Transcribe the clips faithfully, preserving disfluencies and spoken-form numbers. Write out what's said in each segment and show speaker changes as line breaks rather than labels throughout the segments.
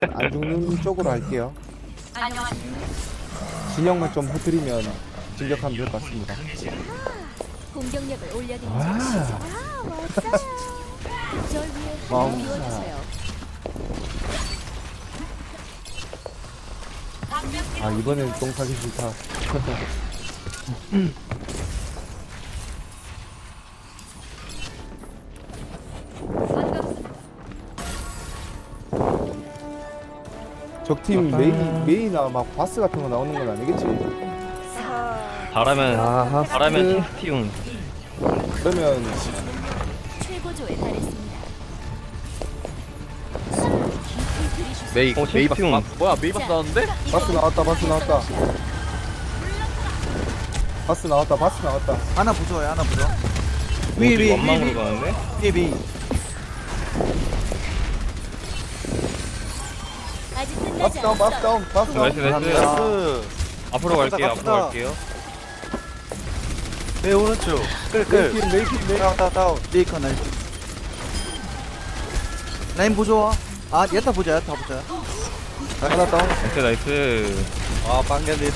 안 죽는 쪽으로 할게요. 진영만 좀 흐트리면 진격하면 될 것 같습니다.
공격력을 올려드리죠.
와.
아, 멋져요. 절 위해
와우.
힘을 비워주세요.
아 이번엔 똥 사기 싫다. 적팀 메인 메이나 막 바스 같은 거 나오는 건 아니겠지?
잘하면
아,
잘하면
하스.
킹스티움.
그러면
최고조에 달했습니다.
메이
어,
메이 바스
챔피언.
아, 뭐야 메이 바스 나왔는데?
바스 나왔다. 바스 나왔다. 바스 나왔다. 바스 나왔다.
하나 부숴요 하나 부숴
위,
위, 위,
원망으로
위,
가는데?
위, 위.
아직
바스
끝나지
다운. 바스
않았어.
다운. 바스 다운.
나이스 나이스.
나이스
앞으로 갈게요.
갑시다.
앞으로 갈게요.
네 오른쪽 끌끌
메이필 메이필 메이.
다운 다운 다운 메이커 나이스 라인 보조와 아 야타 보자 야타 보자
하나 다운.
나이스 나이스.
아 빵견이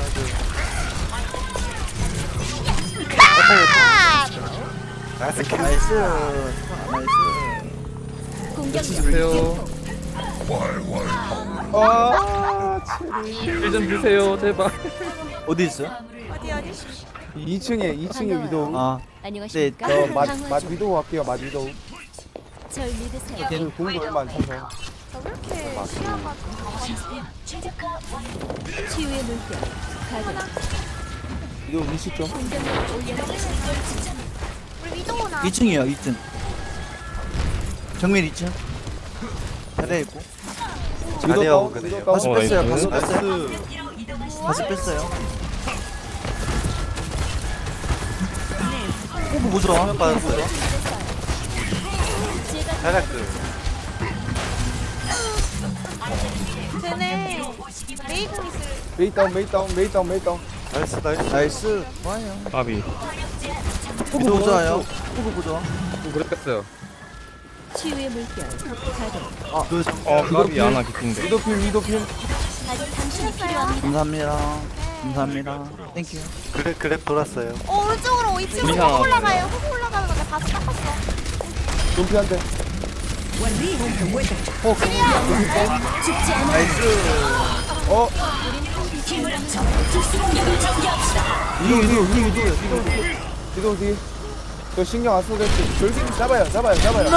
나이스 나이스 나이스
공격력
주세요.
아,
힐좀 주세요 제발.
어디 있어?
이 층에 이 층에 위도우.
아
안녕하십니까?
저 맛,
강화
맛
중.
위도우 할게요. 맛 위도우.
절 믿으세요.
걔는 공도 얼마 안 차서.
치유의 물결 가동.
위도우 위시 좀.
공격력을 올려드리죠.
이 층이에요 이 층 정면 이 층 자리에 있고
위도우 다운. 위도우 다운.
다시
어,
뺐어요
나이스.
다시 뺐어요 다시 뺐어요 호구 보조 화면 빠졌어요
제가
자략들
쟤네 메이공 있을
메이 다운. 메이 다운. 메이 다운. 메이 다운.
나이스 나이스 나이스 좋아요
까비.
호구 보조와요 호구 보조
좀 그랬겠어요.
치유의 물결 가동.
그
어 까비 하나 기쁜데.
위도필 위도필.
아직 당신이 필요합니다.
감사합니다 감사합니다 땡큐 그래 그래 돌았어요
어 오른쪽으로 이 층으로
우리가-
훅 올라가요 훅 올라가는 건데 바스 닦았어
좀피 한 대.
죽지 않아.
나이스
어.
위에 위에 위에 위에 위에
위도우 뒤. 저 신경 안 쓰겠지. 절기 잡아요. 잡아요. 잡아요.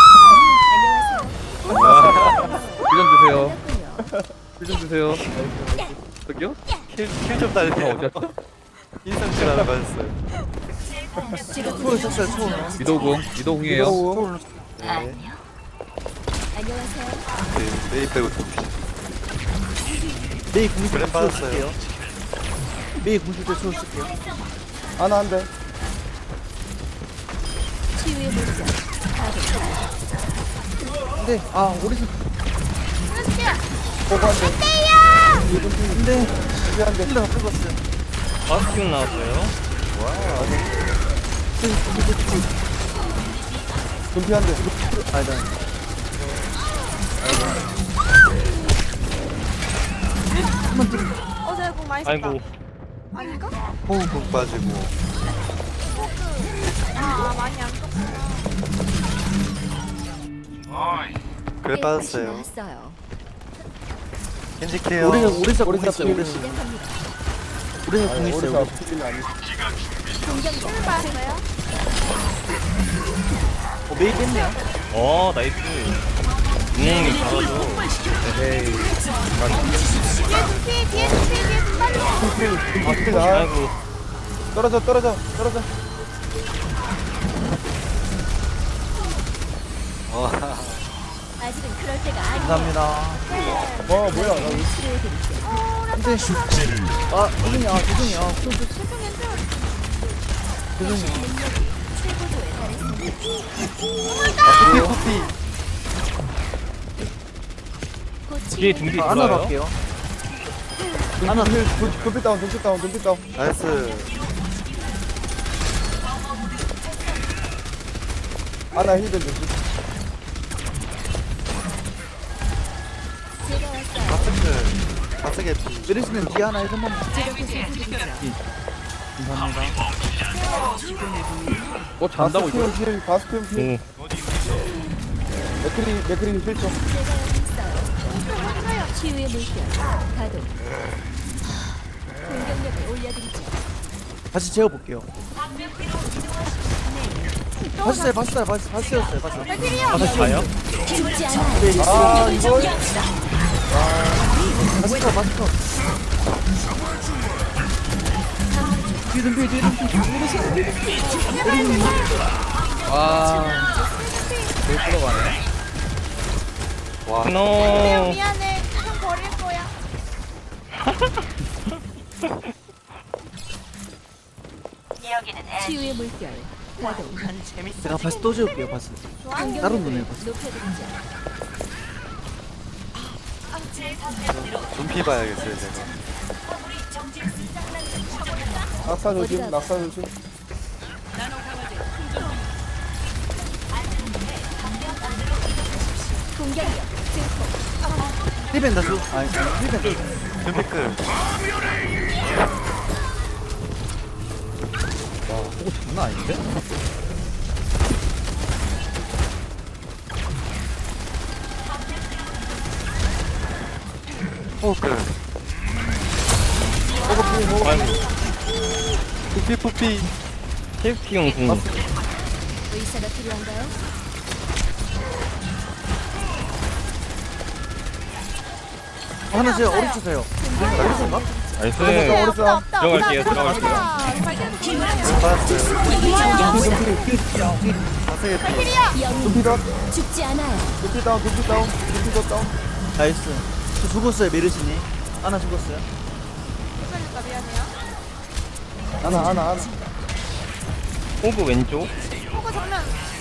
힐좀 주세요.
끝났군요.
힐좀 주세요. 저기요?
킬좀 달려
어디야?
인상질 하나 맞았어요
제가
초를 쳤어요 초를
위도우궁 위도우궁이에요.
위도우.
네
안녕하세요.
메이 빼고 메이 공식 때 초를 쓸게요 메이 공식 때 초를 쓸게요
하나 한 대.
치유의 물결 가동.
근데 아 오리스
보고 한 대.
근데
좀피 한 대.
힐러가 뺏었어요
바스티움 나왔어요.
좀피 한 대.
아니다
어제 공 많이 썼다
아이고.
아닌가?
호흡 빠지고
아, 아 많이 안 썼구나
그래 빠졌어요
나왔어요.
켄지케어 오리사 오리사 공
오리사
있어요
필.
오리사
시작합니다.
오리사 공
아니,
있어요
오리사 필 아니.
공격력
빠졌어요?
어 메이 뺐네요
어 나이스. 음 잘하죠.
에헤이.
뒤에 두피 뒤에 두피 뒤에 두피 빨리
아, 필. 아,
아이고.
떨어져. 떨어져. 떨어져.
아직은 그럴 때가 아니에요.
감사합니다
어 뭐야. 나 왜-
치료해드리죠.
근데 아 죄송해요 아 죄송해요 아, 저, 저,
죄송했죠?
죄송해요
능력이 최고조에 달했습니다.
커피 커피
곧
뒤에
치유의
둥지
아, 하나
좋아요.
갈게요
하나 필. 좀피 다운. 좀피 다운. 좀피 다운.
나이스
하나 힐든 좀.
바스 개피. 메르시는 뒤 하나 해서 한번.
제가 보살펴드리죠.
감사합니다.
어 잔다고 이거.
바스크림 필 바스크림 필
오
맥크리 맥크리 필 좀.
제가 여기 있어요. 치유의 물결 가동. 공격력을 올려드리죠.
다시 재워볼게요. 바스 써요, 바스 써요, 바스, 바스 였어요, 바스.
다시 가요?
죽지 않아요.
네,
아 이걸
바스 컷, 바스 컷. 뒤든 뒤, 뒤든 뒤.
아. 뭘 끌어가네.
와,
노
미안해. 좀 버릴 거야.
치유의 물결 가동.
제가 바스 또 재울게요, 바스. 다른 눈에 바스.
높여드리죠.
눈피 봐야겠어요, 제가.
낙사 조심 낙사 조심.
공격력 증폭.
힐벤 다수. 아니, 힐벤 다수. 눈피클.
와 그거 장난 아닌데?
호클. 푸피, 푸피.
케이프형 궁
의사가 필요한가요?
하나 세요, 오른쪽 세요. 오른쪽인가?
나이스
어렸어.
없다.
들어갈게요,
없다.
들어갈게요.
없다. 발견 중요해요.
바스 개피.
영웅
두피 다운
죽지 않아요.
두피 다운 두피 다운 두피 더 다운.
나이스. 저 죽었어요, 메르시니. 하나 죽었어요.
그러니까 미안해요.
하나 하나 하나.
호그 왼쪽
호구 정면.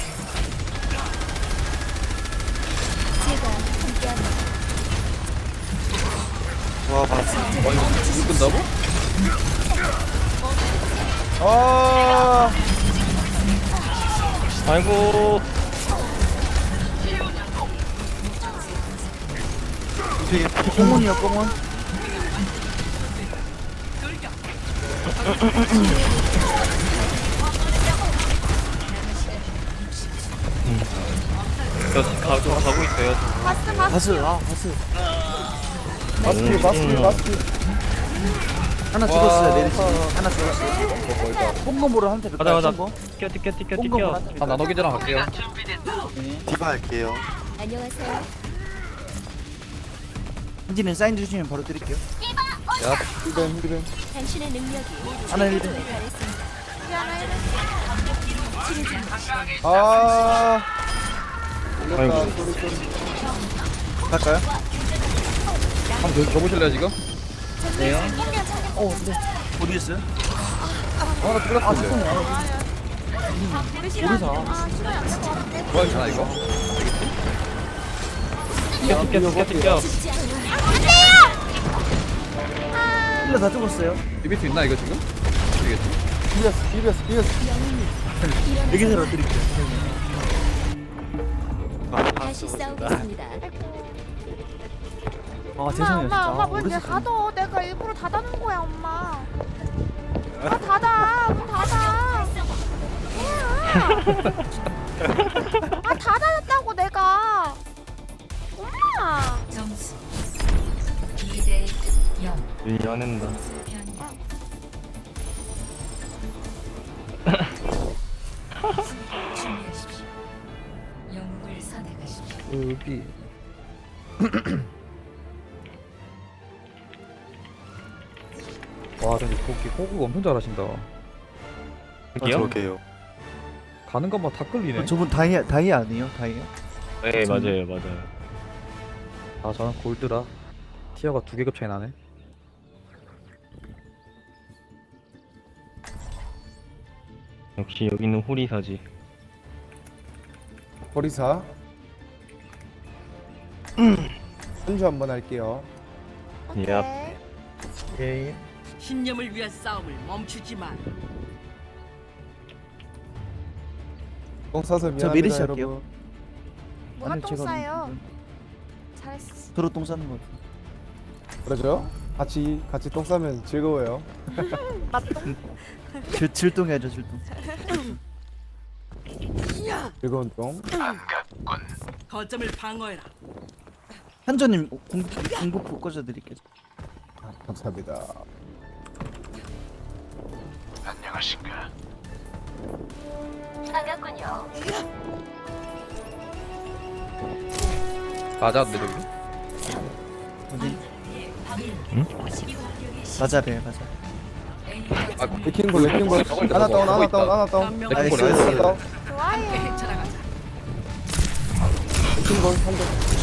제가 함께합니다.
와, 바스.
이거 끈다고?
아
아이고
눈피 개피. 공원이요, 공원.
저 가고 가고 있어요
바스 바스.
바스, 아, 바스.
바스피 바스피 바스피.
하나 죽었어요, 메르시. 하나 죽었어요. 뽕검보를 한테
가자 가자
거.
뛰어 뛰어 뛰어 뛰어
뽕검보를
뛰어
한테
아 나노기제랑 갈게요.
디바 할게요.
안녕하세요.
현진은 사인 주시면 바로 드릴게요.
힐벤 힐벤.
당신의 능력이
하나 힐벤.
최고조에 달했습니다.
미안해.
치료 중.
아. 걸렸다.
아이고.
소리 소리.
갈까요?
한번 줘- 줘보실래요 지금?
네요. 어, 네. 어디 있어요?
아나 뚫렸는데.
우리 싫어. 아, 싫어요. 안될것 같은데.
좋아 괜찮아 이거.
뛰어 뛰어 뛰어 뛰어
죽지 않아요.
힐러 다 죽었어요.
이길 수 있나 이거 지금? 이겠지?
비벼스 비벼스 비벼스.
영웅이 일어나서
여기서 드릴게요.
다시 싸우겠습니다.
아,
엄마,
죄송해요.
엄마, 엄마
아,
문 이제
모르겠어요.
닫어. 내가 일부러 닫아놓은 거야, 엄마. 아, 닫아. 문 닫아. 뭐야. 아, 닫아놨다고, 내가. 엄마.
점수 이 대 영.
밀려낸다
영웅을 선택하십시오.
여기. 와 근데 거기 호구 엄청 잘하신다.
여기요?
저게요.
가는 것만 다 끌리네.
어, 저분 다이 다이 아니에요? 다이요?
네 맞아요 맞아요
아 저는 골드라. 티어가 두 계급 차이 나네.
역시 여기는 호리사지
거리사. 한주 한번 할게요.
오케이.
얍.
오케이.
신념을 위한 싸움을 멈추지 마.
똥 싸서 미안합니다
메리시 할게요.
여러분.
뭐가
아니,
똥
제가
싸요?
음,
잘했어.
서로 똥 싸는 거 같아.
그러죠? 같이 같이 똥 싸면 즐거워요.
맞동.
질, 질동해야죠 질동.
즐거운 똥.
거점을 방어해라.
한조님 공, 공부포 꽂아드릴게요.
아, 감사합니다.
맞았는데 저기?
어디?
응?
맞아 배 맞아.
레킹볼 레킹볼 하나 다운 하나 다운 하나 다운
한 명
나이스.
하나 다운
함께
좋아요.
헤쳐나가자.
레킹볼 한대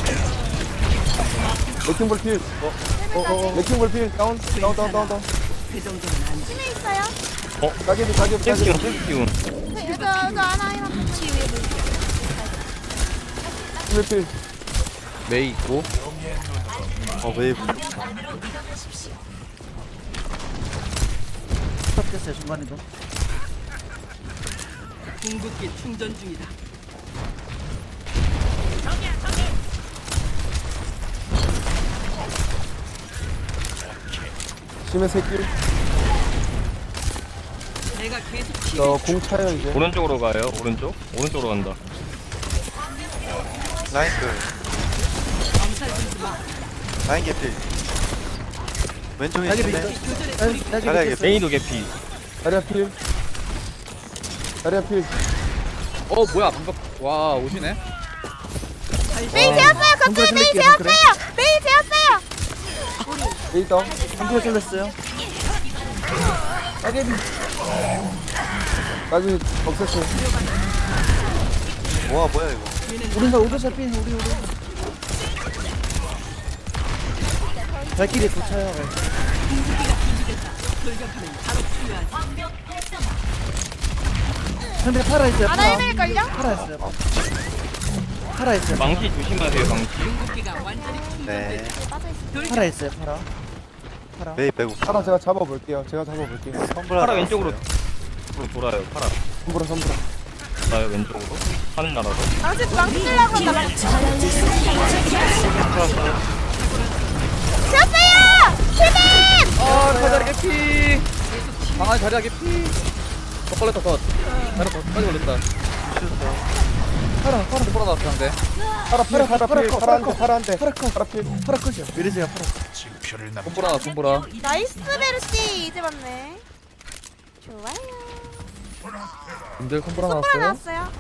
레킹볼 필
어어.
레킹볼 필 다운 다운 다운 다운 다운
그 정도는 안 돼.
팀에 있어요.
가게비 가게비
셀피온
가게비
셀피온.
저, 저, 저 하나 이런.
치유의 물결.
레킹볼 필
메이 있고.
어 웨이브. 스탑됐어요 중간에도.
궁극기 충전 중이다.
심해 새끼
내가 계속
저공 차요 이제
오른쪽으로 가요. 오른쪽. 오른쪽으로 간다.
라인 그
엄살 부리지 마.
라인 개피 왼쪽에
딸기
있는데
비트. 딸기 딸기
잘하게.
비트.
메이도 개피.
다리아 필 다리아 필
어 뭐야 방금 와 오시네.
메이 되었어요.
정글
거점에 메이
뚫릴게요, 정글에.
되었어요. 메이 되었어요.
에이 다운
한조에 뚫렸어요.
가게비 가게비 없앴어요
와 뭐야 이거
우리가 오른쪽 핀 우리 우리. 발길이 도차요.
돌격하면 바로 필요하지.
상대 팔아 있어요.
아나
팔아.
일밀걸요?
팔아 있어요. 팔아 있어요.
망치 조심하세요. 망치.
궁극기가 완전히
네
충전됐다.
팔아 있어요. 팔아. 팔아.
메이 빼고
하나 제가 잡아볼게요 제가 잡아볼게요
펌블
파라 왼쪽으로 돌아요. 파라.
선불아 선불아
나요 왼쪽으로. 하는 나라로.
망치 망치 쓰려고 한다. 망치. 되었어요. 팀인.
아 자리하게 피. 방안 자리하게 피. 더 걸렸다 더. 자리 더 빨리 걸렸다. 파라 파라 돌아 나왔어 상대.
파라 필 파라 필
파라
파라
커,
한대 파라 한대
파라 커.
파라 필
팔아 컷이요. 메르시가 팔아.
손보라 나 손보라.
나이스 베르시 이제 맞네. 좋아요.
님들 손보라
손보라
나왔어요.
나왔어요.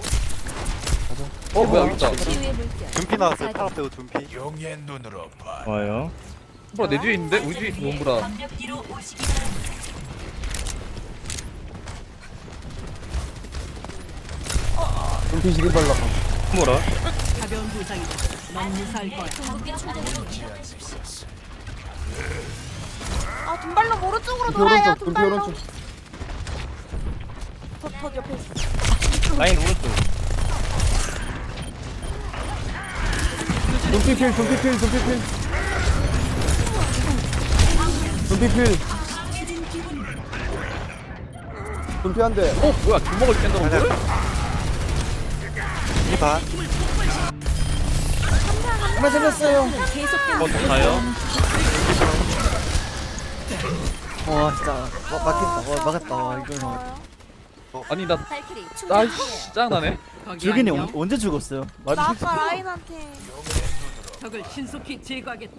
어 뭐야 여기 있다.
치유의 물결.
둠피 나왔어요 파라 빼고 둠피
좋아요.
손보라 내 뒤에 있는데 우리 뒤에 있어 손보라.
눈빛 시리 발라
뭐라?
가벼운 부상이다. 넌 무사할 거야.
아 둔발로 오른쪽으로
눈빛
돌아요.
오른쪽 눈빛
둔발로.
오른쪽
더, 더 옆에 있어.
라인 오른쪽.
눈빛 필 눈빛 필 눈빛 필 눈빛 필 눈빛 한대
어 뭐야 주먹을 깬다고 그래?
이봐
하나 잡았어요.
계속된
어 가요.
와 진짜 와, 막혔다. 와 막았다. 와 이걸 막았다.
아니 나
발키리 충전.
아이씨 짱나네.
거기
줄기님
안녕.
언- 언제 죽었어요?
나
말이
아까 라인한테.
적을 신속히 제거하겠다.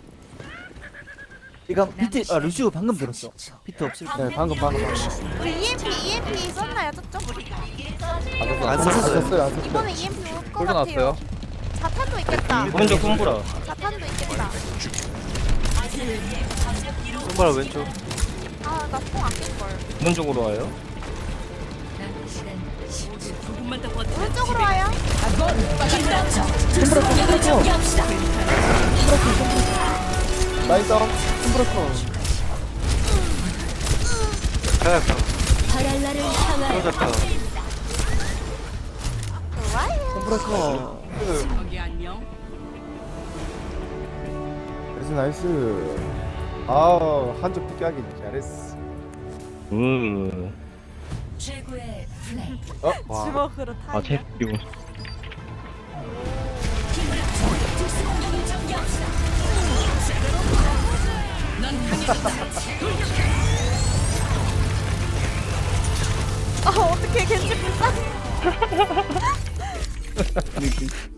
이거 비트 아 루시오 방금 들었어. 비트 없을 때.
네 방금 방금 방금
우리 이엠피 이엠피 썼나요 저쪽?
안
안
썼어요
썼어요 안 썼어요
이번에 이엠피 올것
골드
같아요.
나왔어요.
자탄도 있겠다.
오른쪽 손보라.
자탄도 있겠다.
손바라 왼쪽
아나뽕 아낄걸.
오른쪽으로 와요.
조금만 더 버텨.
오른쪽으로 와요.
라인 다운
자야카
바랄라를 향하여
떨어졌다
좋아요.
컴프레커.
거기 안녕.
나이스 나이스 아우 한쪽 피하기 잘했어
으.
최고의 플레이.
어?
주먹으로 타.
아 챔피온.
아 어떡해 겐지 불쌍해.
느낌.